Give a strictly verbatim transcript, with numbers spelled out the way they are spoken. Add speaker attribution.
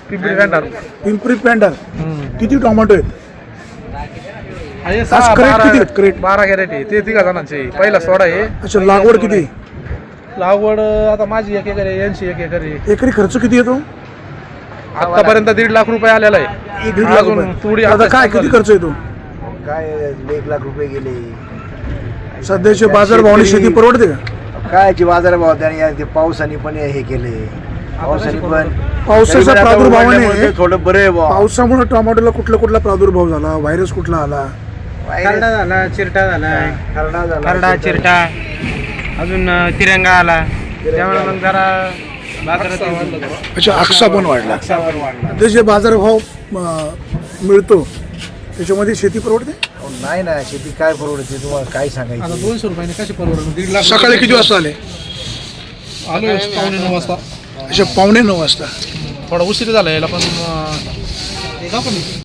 Speaker 1: पिंपरी पेंढार.
Speaker 2: पिंपरी पेंढार. किती टोमॅटो आहेत?
Speaker 1: आहे
Speaker 2: आज
Speaker 1: सहा
Speaker 2: क्रेट
Speaker 1: बारा
Speaker 2: किती आहेत? क्रेट
Speaker 1: बारा कॅरेट आहे. ते तिघा जणांचे पहिला सोडा आहे.
Speaker 2: अच्छा, लागवड किती?
Speaker 1: लागवड आता माझी एक एकर आहे, यांची एक एकर आहे.
Speaker 2: एकरी खर्च किती येतो?
Speaker 1: आतापर्यंत दीड लाख रुपये आलेला आहे.
Speaker 2: दीड लाख
Speaker 1: अजून
Speaker 2: रुपये.
Speaker 1: थोडी
Speaker 2: आता
Speaker 1: अभ्यास
Speaker 2: काय
Speaker 1: चालू
Speaker 2: किती
Speaker 1: आहे.
Speaker 2: खर्च येतो?
Speaker 3: काय एक लाख रुपये गेले.
Speaker 2: सध्याचे बाजारभावाने शेती परवडते का?
Speaker 3: कायची बाजारभाव त्याने ते पावसाने पण हे केले. पावसाने पण
Speaker 2: पावसाच्या
Speaker 3: तरी पण आता
Speaker 2: प्रादुर्भावाने
Speaker 3: उघडल्यामुळे थोडं बरं आहे बुवा.
Speaker 2: पावसामुळे टोमॅटोला कुठला कुठला प्रादुर्भाव झाला? व्हायरस कुठला आला?
Speaker 4: खरडा झाला, चिरटा झाला,
Speaker 3: खरडा झाला,
Speaker 4: खरडा चिरटा, अजून अं, तिरंगा आला. त्यामुळे मग जरा बाजारात
Speaker 2: अच्छा, आक्सा पण वाढला. ते जे बाजारभाव अं, मिळतो त्याच्यामध्ये शेती परवडते?
Speaker 3: अहो, नाही ना शेती काय परवडते तुम्हाला काय
Speaker 1: आता
Speaker 3: सांगायचं.
Speaker 1: दोनशे रुपयाने कशी परवडणार? दीड लाख
Speaker 2: सकाळी किती वाजता आले?
Speaker 1: आलो पावणे नऊ वाजता.
Speaker 2: अच्छा, पावणे नऊ वाजता.
Speaker 1: थोडा उशीर झाला यायला पण अं,